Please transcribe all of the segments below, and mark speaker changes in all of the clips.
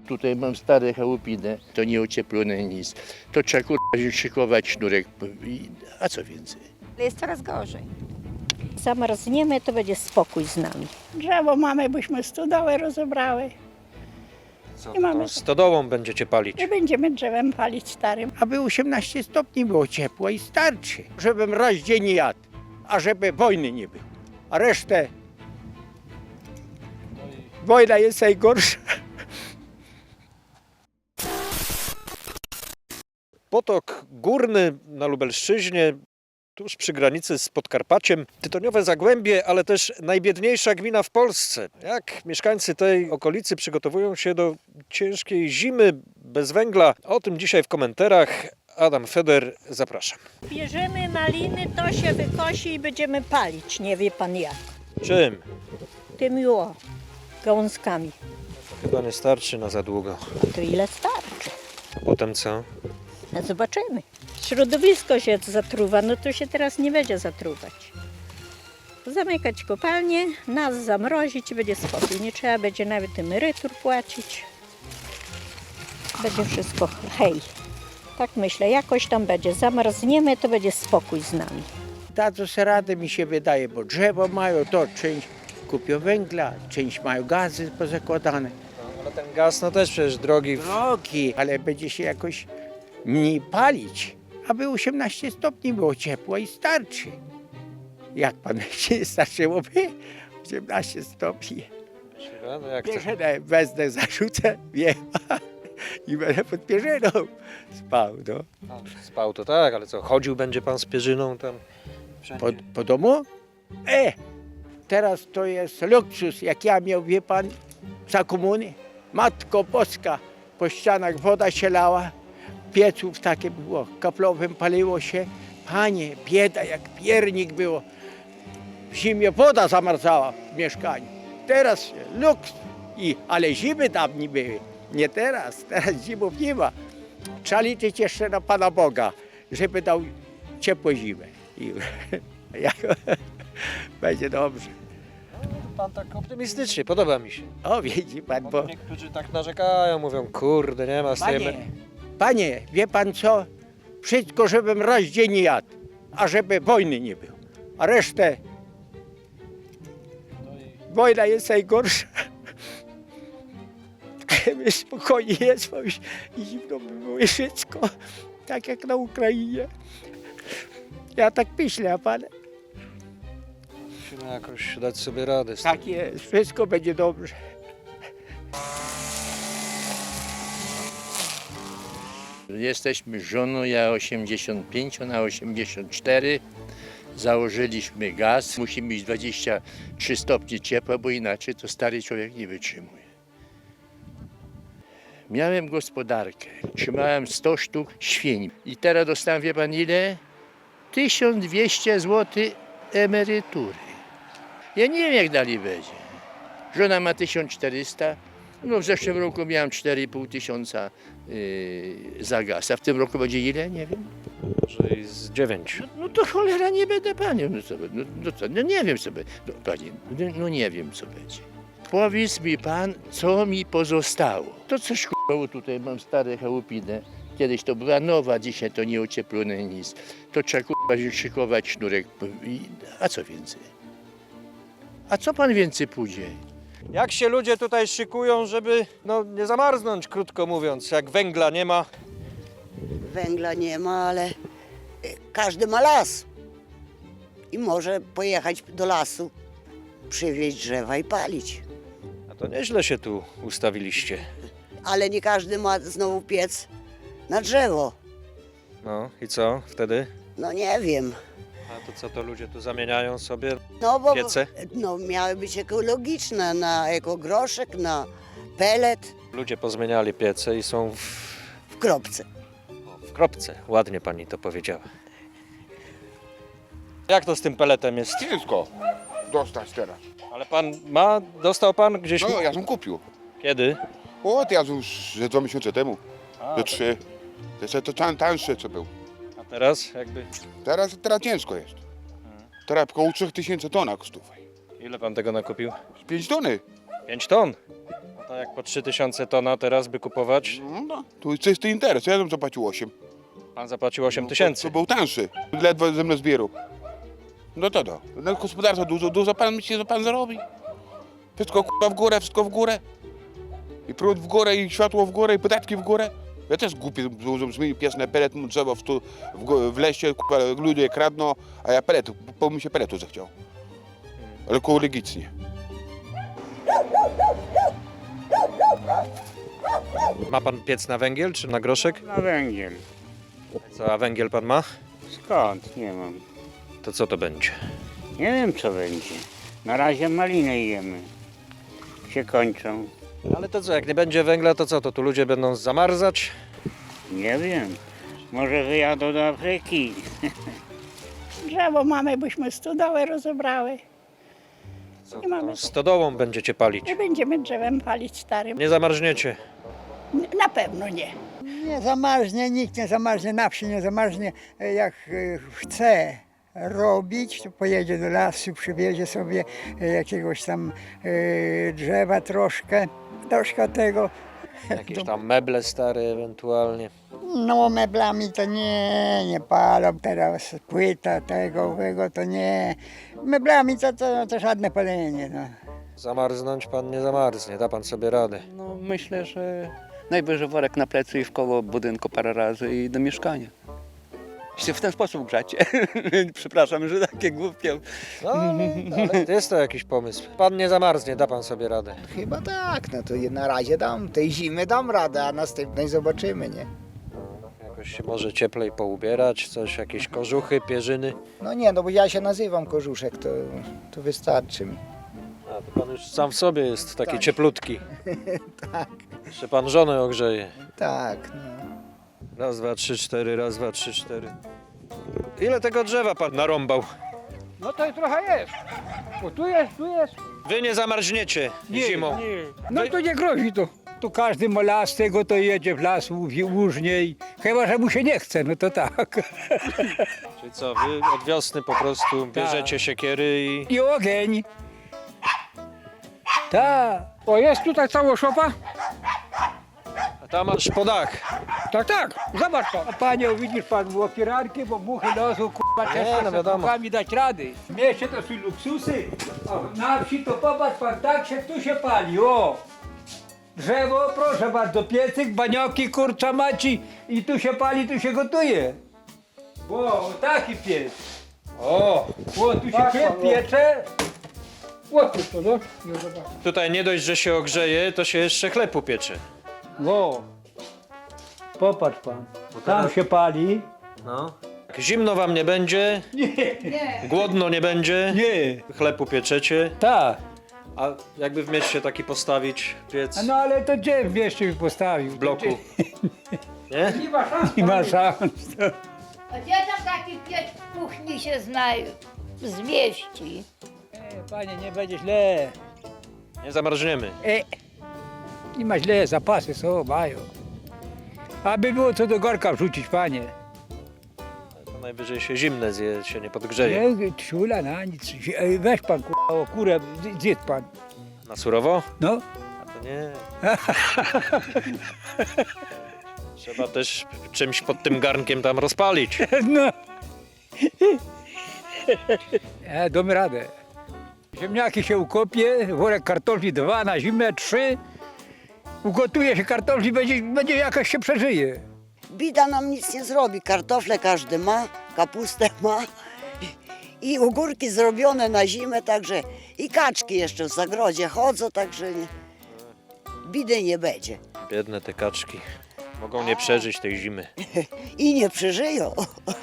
Speaker 1: Tutaj mam stare chałupinę, to nie ocieplone nic. To trzeba szykować sznurek, a co więcej?
Speaker 2: Jest coraz gorzej. Zamarzniemy, to będzie spokój z nami.
Speaker 3: Drzewo mamy, byśmy stodołę rozebrały.
Speaker 4: Co,
Speaker 3: I mamy-
Speaker 4: tą stodołą będziecie palić?
Speaker 3: Nie będziemy drzewem palić starym.
Speaker 5: Aby 18 stopni było ciepło i starczy. Żebym raz dziennie jadł, a żeby wojny nie było. A resztę... Wojna jest najgorsza.
Speaker 4: Potok Górny na Lubelszczyźnie, tuż przy granicy z Podkarpaciem. Tytoniowe Zagłębie, ale też najbiedniejsza gmina w Polsce. Jak mieszkańcy tej okolicy przygotowują się do ciężkiej zimy bez węgla? O tym dzisiaj w komentarzach. Adam Feder, zapraszam.
Speaker 2: Bierzemy maliny, to się wykosi i będziemy palić, nie wie pan jak.
Speaker 4: Czym?
Speaker 2: Tymi gałązkami.
Speaker 4: Chyba nie starczy na za długo.
Speaker 2: To ile starczy?
Speaker 4: A potem co?
Speaker 2: No zobaczymy. Środowisko się zatruwa, no to się teraz nie będzie zatruwać. Zamykać kopalnię, nas zamrozić i będzie spokój. Nie trzeba będzie nawet emerytur płacić. Będzie wszystko hej. Tak myślę, jakoś tam będzie. Zamarzniemy, to będzie spokój z nami.
Speaker 5: Dadzą sobie radę, mi się wydaje, bo drzewo mają, to część kupią węgla, część mają gazy pozakładane.
Speaker 4: Ale ten gaz no też przecież drogi.
Speaker 5: Drogi, ale będzie się jakoś mniej palić. Aby 18 stopni było ciepło i starczy. Jak pan się starczyłoby? 18 stopni.
Speaker 4: No jak to?
Speaker 5: Pierzynę wezmę, zarzucę, wiem. I będę pod pierzyną spał, no.
Speaker 4: Spał to tak, ale co, chodził będzie pan z pierzyną tam? Wszędzie.
Speaker 5: Po domu? Teraz to jest luksus, jak ja miał, wie pan, za komuny. Matko Boska, po ścianach woda się lała, pieców takie było, kaplowym paliło się. Panie, bieda jak piernik było. W zimie woda zamarzała w mieszkaniu. Teraz luks, ale zimy tam nie były. Nie teraz, teraz zimów nie ma. Trzeba liczyć jeszcze na Pana Boga, żeby dał ciepłą zimę. I będzie dobrze.
Speaker 4: Pan tak optymistycznie, podoba mi się.
Speaker 5: O, widzi pan, bo...
Speaker 4: Niektórzy tak narzekają, mówią, kurde, nie ma z tej
Speaker 5: Panie, wie pan co? Wszystko, żebym raz dziennie jadł, a żeby wojny nie było. A resztę... Wojna jest najgorsza. Spokojnie jest, bo już i zimno by było i wszystko. Tak jak na Ukrainie. Ja tak myślę, a pan?
Speaker 4: Musimy jakoś dać sobie radę z tym.
Speaker 5: Tak jest, wszystko będzie dobrze.
Speaker 1: Jesteśmy z żoną, ja 85, ona 84. Założyliśmy gaz. Musi mieć 23 stopnie ciepła, bo inaczej to stary człowiek nie wytrzymuje. Miałem gospodarkę, trzymałem 100 sztuk świń i teraz dostałem, wie pan ile? 1200 zł emerytury. Ja nie wiem, jak dalej będzie. Żona ma 1400. No w zeszłym roku miałem 4,5 tysiąca za gaz, a w tym roku będzie ile? Nie wiem.
Speaker 4: Może i z 9.
Speaker 1: No to cholera nie będę panią. No nie wiem co będzie. No, panie, no nie wiem co będzie. Powiedz mi pan, co mi pozostało. To coś k***ało tutaj, mam stare chałupinę. Kiedyś to była nowa, dzisiaj to nie ocieplone nic. To trzeba szykować sznurek, a co więcej? A co pan więcej pójdzie?
Speaker 4: Jak się ludzie tutaj szykują, żeby no, nie zamarznąć, krótko mówiąc, jak węgla nie ma?
Speaker 6: Węgla nie ma, ale każdy ma las i może pojechać do lasu, przywieźć drzewa i palić.
Speaker 4: A to nieźle się tu ustawiliście.
Speaker 6: Ale nie każdy ma znowu piec na drzewo.
Speaker 4: No i co wtedy?
Speaker 6: No nie wiem.
Speaker 4: A to co to ludzie tu zamieniają sobie?
Speaker 6: No bo
Speaker 4: Piece?
Speaker 6: no, miały być ekologiczne, na ekogroszek, na pelet
Speaker 4: Ludzie pozmieniali piece i są
Speaker 6: w kropce.
Speaker 4: w kropce. Ładnie pani to powiedziała. Jak to z tym peletem jest?
Speaker 7: Ciężko dostać teraz.
Speaker 4: Ale pan ma, dostał pan gdzieś...
Speaker 7: No, ja bym kupił.
Speaker 4: Kiedy?
Speaker 7: O, to ja już ze 2 miesiące temu. Ze 3. To tańsze co był.
Speaker 4: A teraz jakby...
Speaker 7: Teraz ciężko jest. Teraz około 3000 ton kosztuje.
Speaker 4: Ile pan tego nakupił?
Speaker 7: 5 tony.
Speaker 4: 5 ton. No A jak po 3000 tona teraz by kupować?
Speaker 7: No, tu jest czysty interes, ja bym zapłacił 8.
Speaker 4: Pan zapłacił 8000.
Speaker 7: To był tańszy, ledwo ze mną zbierał. No to. Na gospodarstwo dużo pan myśli, że pan zarobi. Wszystko kurwa w górę, wszystko w górę. I prąd w górę, i światło w górę, i podatki w górę. Ja też głupi zmienił pies na pelet, drzewo w lesie, kurwa, ludzie kradną, a ja peletu, bo mi się peletu zechciał. Ale ekologicznie.
Speaker 4: Ma pan piec na węgiel czy na groszek?
Speaker 8: Na węgiel.
Speaker 4: Co, a węgiel pan ma?
Speaker 8: Skąd? Nie mam.
Speaker 4: To co to będzie?
Speaker 8: Nie wiem co będzie. Na razie maliny jemy. Się kończą.
Speaker 4: Ale to co, jak nie będzie węgla, to co, to tu ludzie będą zamarzać?
Speaker 8: Nie wiem. Może wyjadą do Afryki.
Speaker 3: Drzewo mamy, byśmy stodołę rozebrały.
Speaker 4: Co,
Speaker 3: Nie mamy.
Speaker 4: to stodołą będziecie palić?
Speaker 3: Nie będziemy drzewem palić starym.
Speaker 4: Nie zamarzniecie.
Speaker 3: Na pewno nie.
Speaker 9: Nie zamarznie, nikt nie zamarznie, na wsi nie zamarznie. Jak chce robić, to pojedzie do lasu, przywiezie sobie jakiegoś tam drzewa troszkę tego.
Speaker 4: Jakieś tam meble stare ewentualnie.
Speaker 9: No meblami to nie palą, teraz płyta tego to nie. Meblami to żadne palenie. No.
Speaker 4: Zamarznąć pan nie zamarznie, da pan sobie radę.
Speaker 10: No myślę, że najwyżej worek na plecy i w koło budynku parę razy i do mieszkania. Się w ten sposób grzać. Przepraszam, że takie głupie.
Speaker 4: No, ale jest to jakiś pomysł. Pan nie zamarznie, da pan sobie radę.
Speaker 11: Chyba tak, no to na razie dam, tej zimy dam radę, a następnej zobaczymy, nie?
Speaker 4: Jakoś się może cieplej poubierać, coś, jakieś kożuchy, pierzyny.
Speaker 11: No nie, no bo ja się nazywam Kożuszek, to wystarczy mi.
Speaker 4: A to pan już sam w sobie jest taki
Speaker 11: Tak.
Speaker 4: cieplutki.
Speaker 11: Tak.
Speaker 4: Jeszcze pan żonę ogrzeje.
Speaker 11: Tak, no.
Speaker 4: Raz, dwa, trzy, cztery, raz, dwa, trzy, cztery. Ile tego drzewa pan narąbał?
Speaker 5: No to trochę jest. Bo tu jest.
Speaker 4: Wy nie zamarzniecie zimą.
Speaker 5: No to nie grozi to. Tu każdy ma las tego, to jedzie w las, łóżniej. Chyba, że mu się nie chce, no to tak.
Speaker 4: Czyli co, wy od wiosny po prostu bierzecie siekiery i...
Speaker 5: I ogień. Tak. O, jest tutaj cała szopa?
Speaker 4: A tam masz po dach.
Speaker 5: Tak. Zobacz pan. A panie, widzisz pan, było pirarki, bo muchy nosą, kurwa,
Speaker 4: Nie,
Speaker 5: ciężko
Speaker 4: no
Speaker 5: z
Speaker 4: wiadomo.
Speaker 5: muchami dać rady. W mieście to są luksusy, a na wsi to popatrz pan, tak się tu się pali, o. Drzewo, proszę bardzo, piecyk, banioki, kurcza maci i tu się pali, tu się gotuje. Bo taki piec. O, tu się piecze. O, tu to, no.
Speaker 4: Tutaj nie dość, że się ogrzeje, to się jeszcze chleb upiecze.
Speaker 5: O, popatrz pan, tam się pali.
Speaker 4: No. Zimno wam nie będzie, głodno nie będzie,
Speaker 5: Nie,
Speaker 4: chleb upieczecie.
Speaker 5: tak.
Speaker 4: A jakby w mieście taki postawić piec
Speaker 5: No ale to gdzie w mieście mi postawił?
Speaker 4: w bloku? Nie?
Speaker 5: Nie ma szans.
Speaker 12: A gdzie tam taki piec w kuchni się zmieści?
Speaker 5: Panie, nie będzie źle.
Speaker 4: Nie zamarzniemy.
Speaker 5: Nie ma źle, zapasy są, mają. Aby było co do garka wrzucić, panie.
Speaker 4: To najwyżej się zimne zje, się nie podgrzeje.
Speaker 5: Nie, ciula na nic. Weź pan o kurę, zjedz pan.
Speaker 4: Na surowo?
Speaker 5: No.
Speaker 4: A to nie. Trzeba też czymś pod tym garnkiem tam rozpalić.
Speaker 5: No. Damy radę. Ziemniaki się ukopie, worek kartofli 2, na zimę 3. Ugotuje się kartofli, będzie jakaś się przeżyje.
Speaker 6: Bida nam nic nie zrobi. Kartofle każdy ma, kapustę ma i ogórki zrobione na zimę, także i kaczki jeszcze w zagrodzie chodzą, także bidy nie będzie.
Speaker 4: Biedne te kaczki. Mogą nie przeżyć tej zimy.
Speaker 6: I nie przeżyją.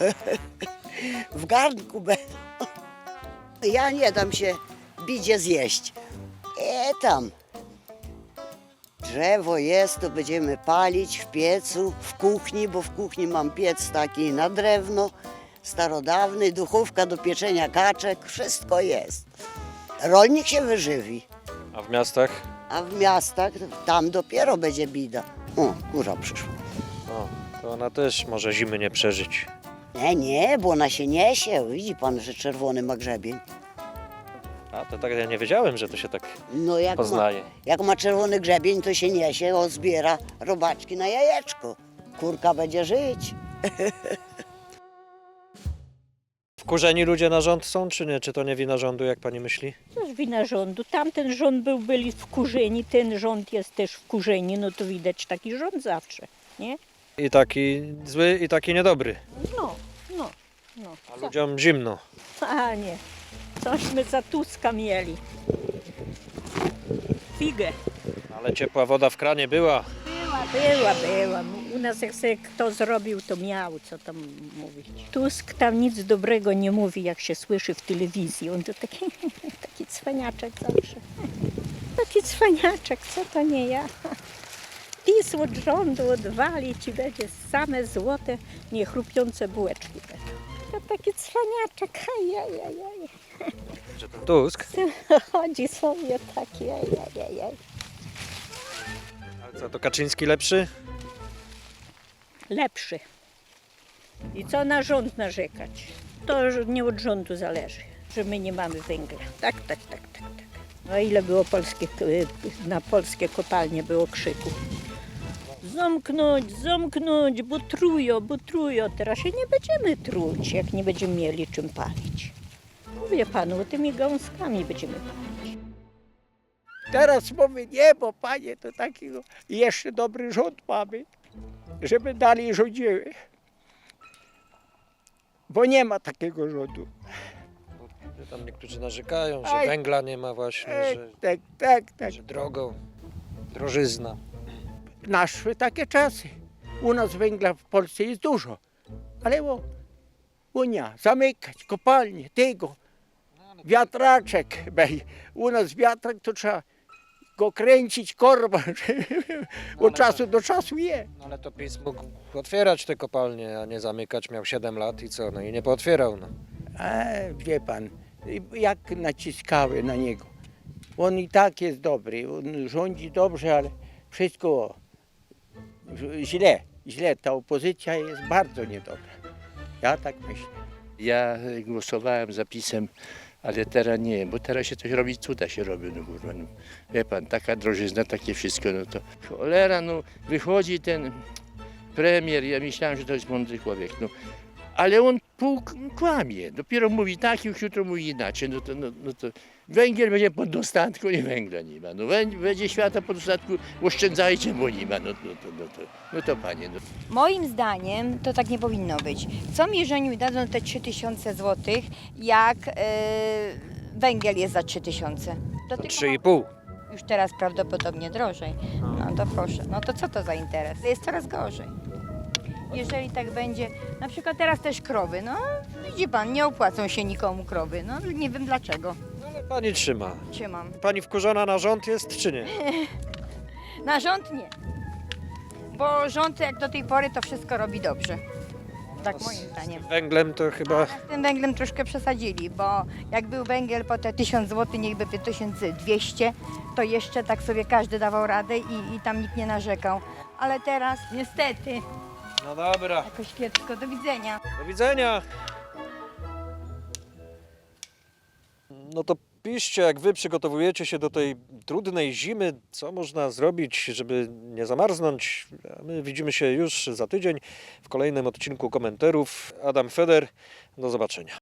Speaker 6: W garnku będą. Ja nie dam się bidzie zjeść. Tam. Drzewo jest, to będziemy palić w piecu, w kuchni, bo w kuchni mam piec taki na drewno, starodawny, duchówka do pieczenia kaczek, wszystko jest. Rolnik się wyżywi,
Speaker 4: A w miastach?
Speaker 6: a w miastach tam dopiero będzie bida. O, kurza przyszła.
Speaker 4: O, to ona też może zimy nie przeżyć.
Speaker 6: Nie, bo ona się niesie. Widzi pan, że czerwony ma grzebień.
Speaker 4: A to tak ja nie wiedziałem, że to się tak
Speaker 6: No
Speaker 4: poznaje.
Speaker 6: jak ma czerwony grzebień, to się niesie, zbiera robaczki na jajeczko. Kurka będzie żyć.
Speaker 4: Wkurzeni ludzie na rząd są, czy nie? Czy to nie wina rządu, jak pani myśli?
Speaker 2: To jest wina rządu. Tamten rząd byli wkurzeni, ten rząd jest też wkurzeni, no to widać taki rząd zawsze, nie?
Speaker 4: I taki zły, i taki niedobry.
Speaker 2: No.
Speaker 4: A ludziom zimno.
Speaker 2: A nie, cośmy za Tuska mieli. Figę.
Speaker 4: Ale ciepła woda w kranie była.
Speaker 2: Była. U nas jak sobie kto zrobił, to miał, co tam mówić. Tusk tam nic dobrego nie mówi, jak się słyszy w telewizji. On to taki cwaniaczek zawsze. Taki cwaniaczek, co to nie ja. PiS od rządu odwalić i będzie same złote, niechrupiące bułeczki. To taki cwaniaczek, ajajajaj.
Speaker 4: Że ten Tusk.
Speaker 2: Chodzi sobie taki, ajajajaj.
Speaker 4: Ale co, to Kaczyński lepszy?
Speaker 2: Lepszy. I co na rząd narzekać? To nie od rządu zależy, że my nie mamy węgla. Tak. No ile było na polskie kopalnie było krzyku. Zamknąć, bo trują. Teraz się nie będziemy truć, jak nie będziemy mieli czym palić. Mówię panu, tymi gąskami będziemy palić.
Speaker 5: Teraz mówię, nie, bo panie, to takiego jeszcze dobry rząd mamy, żeby dalej rządziły. Bo nie ma takiego rządu.
Speaker 4: Tam niektórzy narzekają, że
Speaker 5: Aj.
Speaker 4: węgla nie ma właśnie, że,
Speaker 5: Tak.
Speaker 4: że drogo, drożyzna.
Speaker 5: Naszły takie czasy. U nas węgla w Polsce jest dużo, ale Unia, zamykać kopalnie, tego, wiatraczek. U nas wiatrak to trzeba go kręcić, korba, od czasu do czasu je.
Speaker 4: No ale to PiS mógł otwierać te kopalnie, a nie zamykać. Miał 7 lat i co? No i nie pootwierał. No.
Speaker 5: Wie pan, jak naciskały na niego. On i tak jest dobry, on rządzi dobrze, ale wszystko źle. Ta opozycja jest bardzo niedobra. Ja tak myślę.
Speaker 1: Ja głosowałem za PiS-em, ale teraz nie, bo teraz się coś robi, cuda się robi, no kurwa, no. Wie pan, taka drożyzna, takie wszystko, no to cholera, no wychodzi ten premier, ja myślałem, że to jest mądry człowiek, no. Ale on kłamie, dopiero mówi tak, już jutro mówi inaczej, no to węgiel będzie pod dostatku, nie węgla nie ma, no będzie świata pod dostatku, oszczędzajcie, bo nie ma, no to panie. No.
Speaker 12: Moim zdaniem to tak nie powinno być. Co mi, że mi dadzą te 3000 zł, jak węgiel jest za 3000?
Speaker 4: To 3,5.
Speaker 12: Już teraz prawdopodobnie drożej. No to proszę, no to co to za interes? Jest coraz gorzej. Jeżeli tak będzie, na przykład teraz też krowy, no widzi pan, nie opłacą się nikomu krowy, no nie wiem dlaczego.
Speaker 4: Ale pani trzyma.
Speaker 12: Trzymam.
Speaker 4: Pani wkurzona na rząd jest, czy nie?
Speaker 12: Na rząd nie, bo rząd jak do tej pory to wszystko robi dobrze. Tak moim zdaniem.
Speaker 4: Węglem to chyba...
Speaker 12: Z tym węglem troszkę przesadzili, bo jak był węgiel po te 1000 zł, niechby 1200, to jeszcze tak sobie każdy dawał radę i tam nikt nie narzekał. Ale teraz niestety
Speaker 4: No dobra,
Speaker 12: jakoś kiepsko. Do widzenia.
Speaker 4: do widzenia. No to piszcie, jak wy przygotowujecie się do tej trudnej zimy, co można zrobić, żeby nie zamarznąć. A my widzimy się już za tydzień w kolejnym odcinku Komentarów. Adam Feder, do zobaczenia.